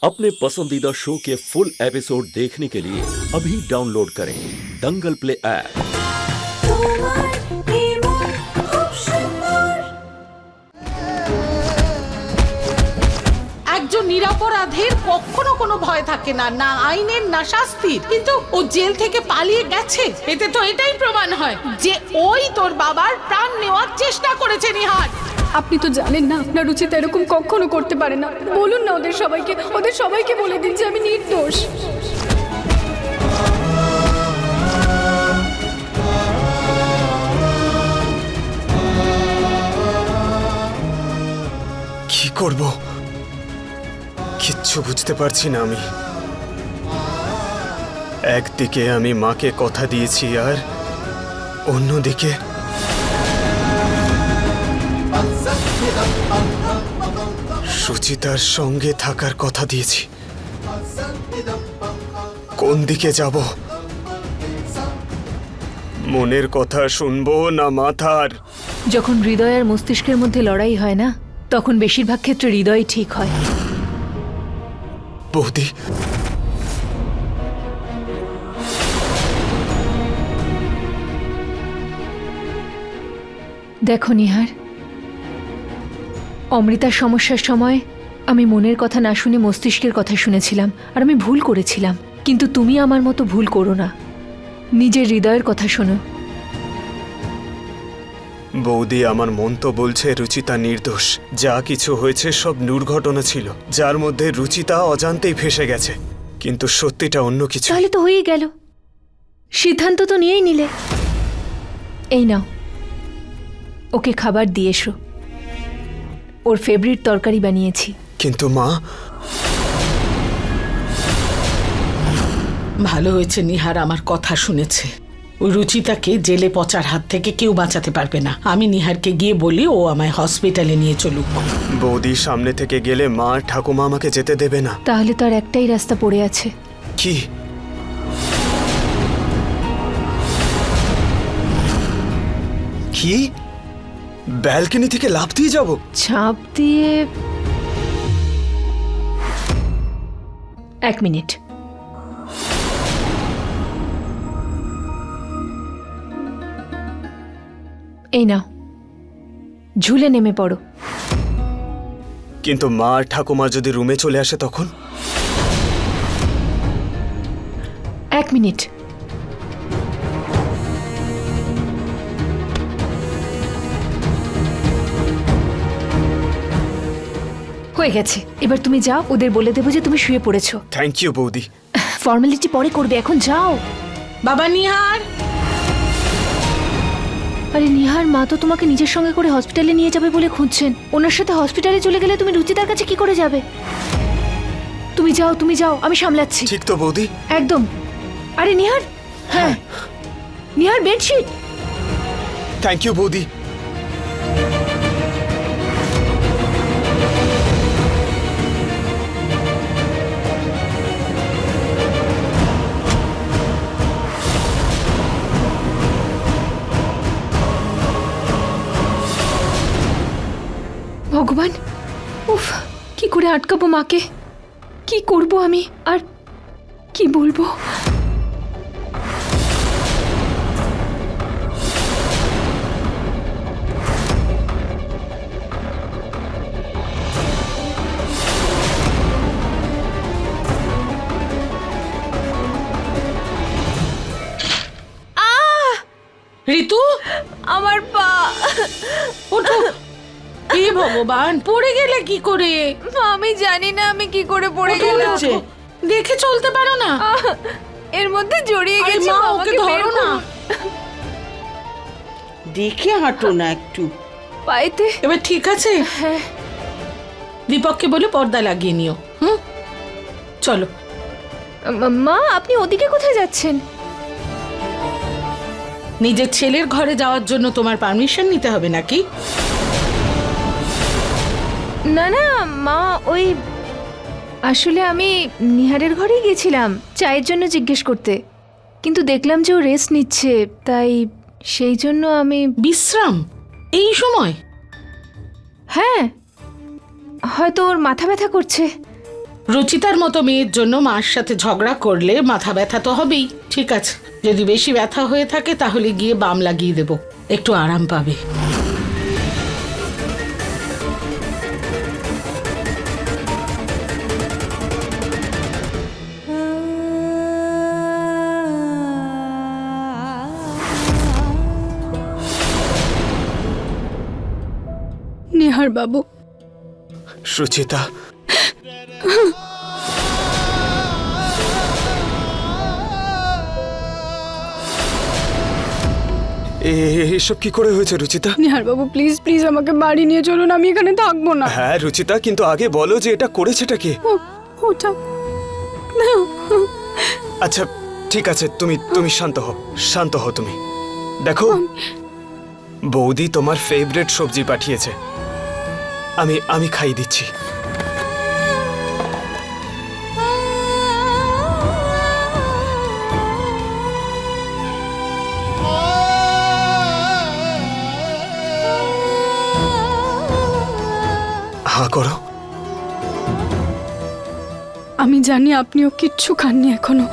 अपने पसंदीदा शो के फुल एपिसोड देखने के लिए अभी डाउनलोड करें दंगल प्ले ऐप। একজন নিরপরাধের কখনো কোনো ভয় থাকে না, না আইনের না শাস্তির। কিন্তু ও জেল থেকে পালিয়ে গেছে, এতে তো এটাই প্রমাণ হয় যে ওই তোর বাবার প্রাণ নেওয়ার চেষ্টা করেছে। নিহার, আপনি তো জানেন না আপনার রুচিতা এরকম কখনো করতে পারে না। বলুন না ওদের সবাইকে বলে দিন যে আমি নির্দোষ। কি করব কিচ্ছু বুঝতে পারছি না আমি। একদিকে আমি মাকে কথা দিয়েছি আর অন্যদিকে সুচিতার সঙ্গে থাকার কথা দিয়েছি। কোন দিকে যাব? মনের কথা শুনবো না মাথার? যখন হৃদয় আর মস্তিষ্কের মধ্যে লড়াই হয় না, তখন বেশিরভাগ ক্ষেত্রে হৃদয় ঠিক হয়। বৌদি, দেখো নিহার, অমৃতার সমস্যার সময় আমি মনের কথা না শুনে মস্তিষ্কের কথা শুনেছিলাম, আর আমি ভুল করেছিলাম। কিন্তু তুমি আমার মতো ভুল করো না, নিজের হৃদয়ের কথা শোনো। বৌদি, আমার মন তো বলছে রুচিতা নির্দোষ। যা কিছু হয়েছে সব দুর্ঘটনা ছিল, যার মধ্যে রুচিতা অজান্তেই ফেসে গেছে। কিন্তু সত্যিটা অন্য কিছু। তাহলে তো হয়েই গেল, সিদ্ধান্ত তো নিয়েই নিলে। এই নাও, ওকে খাবার দিয়ে এসো, ওর ফেভারিট তরকারি বানিয়েছি। কিন্তু মা, ভালো হয়েছে নিহার আমার কথা শুনেছে। ওই রুচিতাকে জেলে পচার হাত থেকে কেউ বাঁচাতে পারবে না। আমি নিহারকে গিয়ে বলি ও আমায় হসপিটালে নিয়ে চলুক। বৌদি, সামনে থেকে গেলে মা আর ঠাকুমা আমাকে যেতে দেবে না। তাহলে তো আর একটাই রাস্তা পড়ে আছে। কি? কি? ব্যালকনি থেকে লাফ দিয়ে যাব? ঝাঁপ দিয়ে? 1 মিনিট। এই নাও, ঝুলে নেমে পড়ো। কিন্তু মা আর ঠাকুমা যদি রুমে চলে আসে তখন? 1 মিনিট। হয়ে গেছে, এবার তুমি যাও, ওদের বলে দেবো যে তুমি শুয়ে পড়েছো। থ্যাংক ইউ বৌদি। ফর্মালিটি পরে করবে, এখন যাও। বাবা নিহার, আরে নিহার, মা তো তোমাকে নিজের সঙ্গে করে হসপিটালে নিয়ে যাবে বলে খুঁজছেন। ওনার সাথে হসপিটালে চলে গেলে তুমি রুচিতার কাছে কি করে যাবে? তুমি যাও, আমি সামলাচ্ছি। ঠিক তো বৌদি? একদম। আরে নিহার, হ্যাঁ নিহার, বেডশিট। থ্যাংক ইউ বৌদি। ভগবান, উফ, কি করে আটকাবো মাকে? কি করব আমি, আর কি বলবো? ঋতু, আমার পা। ওঠো। হে ভগবান, পড়ে গেলে কি করে? আমি জানি না আমি কি করে পড়ে ওঠো, গেলাম। ওঠো। দেখে চলতে পারো না? এর মধ্যে জড়িয়ে আরে গেছি। মা, মা, ওকে আমাকে বের ধরো না। করুন। দেখে হাঁটো না একটু। পায়েতে। এবার ঠিক আছে? হ্যাঁ। দীপককে বলে পর্দা লাগিয়ে নিও। চলো। মা, আপনি ওদিকে কোথায় যাচ্ছেন? নিজের ছেলের ঘরে যাওয়ার জন্য তোমার পারমিশন নিতে হবে নাকি? না না মা, ওই আসলে আমি নিহারের ঘরেই গেছিলাম চায়ের জন্য জিজ্ঞেস করতে, কিন্তু দেখলাম যে ও রেস্ট নিচ্ছে, তাই সেই জন্য আমি। বিশ্রাম এই সময়? হ্যাঁ, হয়তো ওর মাথা ব্যথা করছে, রুচিতার মতো মেয়ের জন্য মার সাথে ঝগড়া করলে মাথা ব্যথা তো হবেই। ঠিক আছে, যদি বেশি ব্যথা হয়ে থাকে তাহলে গিয়ে বাম লাগিয়ে দেব, একটু আরাম পাবে। নিহার বাবু, সুচিতা, এসব কি করে হয়েছে রুচিতা? নিহার বাবু প্লিজ প্লিজ আমাকে বাড়ি নিয়ে চলুন, আমি এখানে থাকবো না। হ্যাঁ রুচিতা, কিন্তু আগে বলো যে এটা করেছেটা কে? ওটা আচ্ছা ঠিক আছে, তুমি শান্ত হও তুমি। দেখো, বৌদি তোমার ফেভারিট সবজি পাঠিয়েছে, আমি খাই দিচ্ছি। হা করো। আমি জানি আপনিও কিচ্ছু খাননি এখনো।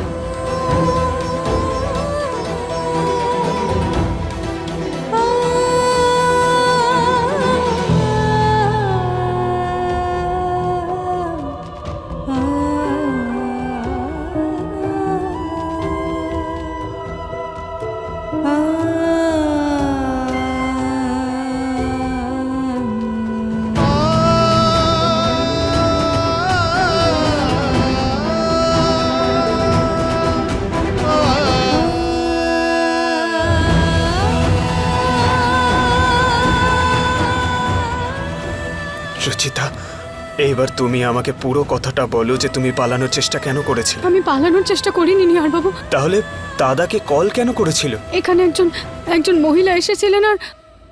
সুচিতা, এইবার তুমি আমাকে পুরো কথাটা বলো যে তুমি পালানোর চেষ্টা কেন করেছিলে। আমি পালানোর চেষ্টা করিনি নিহার বাবু। তাহলে দাদাকে কল কেন করেছিল? এখানে একজন মহিলা এসেছিলেন আর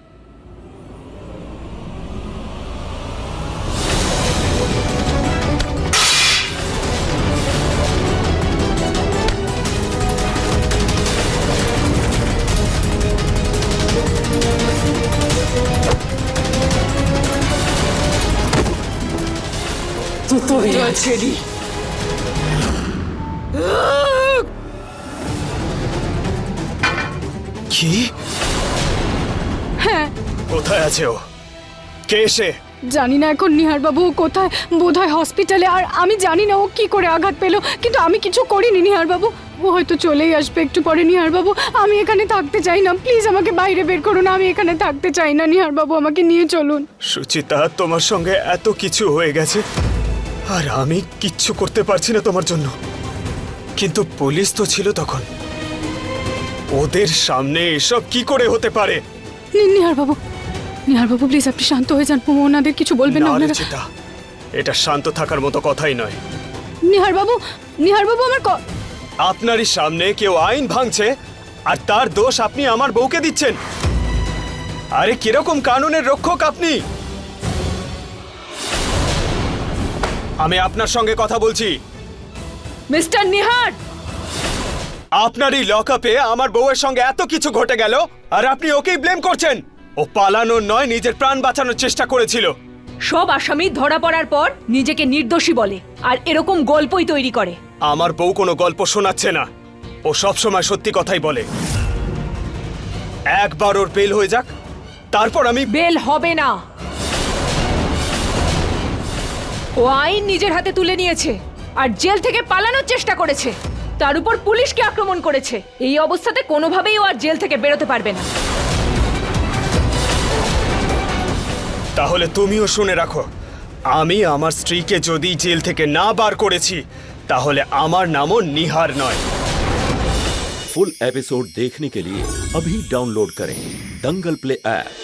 কি? হ্যাঁ, কোথায় আছে ও? কে সে? জানি না এখন নিহার বাবু কোথায়, বোধহয় হসপিটালে। আর আমি জানি না ও কি করে আঘাত পেল, কিন্তু আমি কিছু করিনি নিহার বাবু। ও হয়তো চলেই আসবে একটু পরে। নিহার বাবু, আমি এখানে থাকতে চাই না, প্লিজ আমাকে বাইরে বের করুন। আমি এখানে থাকতে চাই না নিহার বাবু, আমাকে নিয়ে চলুন। সুচিতা, তোমার সঙ্গে এত কিছু হয়ে গেছে আর আমি কিচ্ছু করতে পারছি না তোমার জন্য। কিন্তু পুলিশ তো ছিল তখন, ওদের সামনে এসব কি করে হতে পারে? নিহার বাবু প্লিজ আপনি শান্ত হয়ে যান। ওনাদের কিছু বলবেন না না ওনারা। রুচিতা, এটা শান্ত থাকার মতো কথাই নয়। নিহার বাবু আমার আপনারই সামনে কেউ আইন ভাঙছে আর তার দোষ আপনি আমার বউকে দিচ্ছেন। আরে কিরকম কানুনের রক্ষক আপনি? আমি আপনার সঙ্গে কথা বলছি। মিস্টার নিহার, আপনারই লকআপে আমার বউয়ের সঙ্গে এত কিছু ঘটে গেল আর আপনি ওকেই ব্লেম করছেন। ও পালানোর নয়, নিজের প্রাণ বাঁচানোর চেষ্টা করেছিল। সব আসামি ধরা পড়ার পর নিজেকে নির্দোষী বলে আর এরকম গল্পই তৈরি করে। আমার বউ কোনো গল্প শোনাচ্ছে না, ও সবসময় সত্যি কথাই বলে। একবার ওর বেল হয়ে যাক, তারপর আমি। বেল হবে না। ও আইন নিজের হাতে তুলে নিয়েছে আর জেল থেকে পালানোর চেষ্টা করেছে, তার উপর পুলিশকে আক্রমণ করেছে। এই অবস্থাতে কোনোভাবেই ও আর জেল থেকে বেরোতে পারবে না। তাহলে তুমিও শুনে রাখো, আমি আমার স্ত্রীকে যদি জেল থেকে না বার করেছি তাহলে আমার নামও নিহার নয়। फुल एपिसोड देखने के लिए अभी डाउनलोड करें दंगल प्ले ऐप।